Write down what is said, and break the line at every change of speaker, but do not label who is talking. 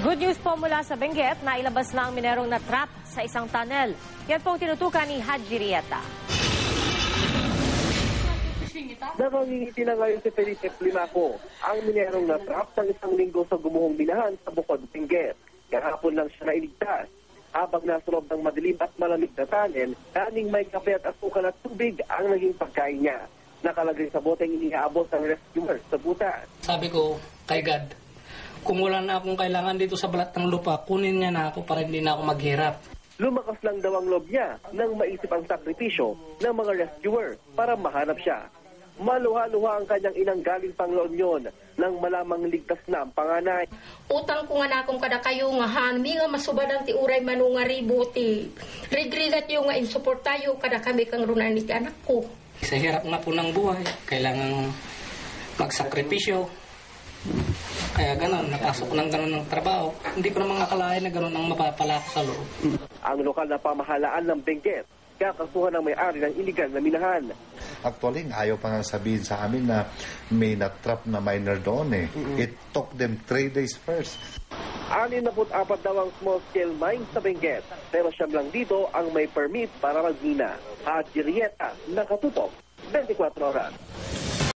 Good news po mula sa Benguet na ilabas na ang minerong na trap sa isang tunnel. Yan po ang tinutukan ni Haji Rieta.
Nakangingiti na ngayon si Felipe Plimaco ang minerong na trap ng isang linggo sa gumuhong minahan sa Bukod, Benguet. Kahapon lang siya nailigtas. Habang nasa loob ng madilim at malamig na tunnel, kaning may kape at asukal at tubig ang naging pagkain niya. Nakalagay sa boteng inihaabot ng rescuers sa butas.
Sabi ko kay God, kung wala na akong kailangan dito sa balat ng lupa, kunin niya na ako para hindi na ako maghirap.
Lumakas lang daw ang loob niya nang maisip ang sakripisyo ng mga rescuer para mahanap siya. Maluha-luha ang kanyang inang galing pang La Union nang malamang ligtas na ang panganay.
Utang ko nga na akong kada kayo nga hanmi nga masubadang ti uray manunga ributi. Rigrigat yung nga insuportayo kada kami kang runan ni anak ko.
Sa hirap nga po ng buhay, kailangang magsakripisyo. Kaya gano'n, napasok ko ng gano'n ng trabaho. Hindi ko naman akalain na gano'n ang mapapala ko sa loob.
Ang lokal na pamahalaan ng Benguet, kakasuhan ng may-ari ng iligal na minahan.
Actually, ayaw pa nga sabihin sa amin na may natrap na miner doon eh. It took them 3 days first.
64 daw ang small-scale mine sa Benguet, pero siyam lang dito ang may permit para magmina. At Rieta, nakatutok, 24 oras.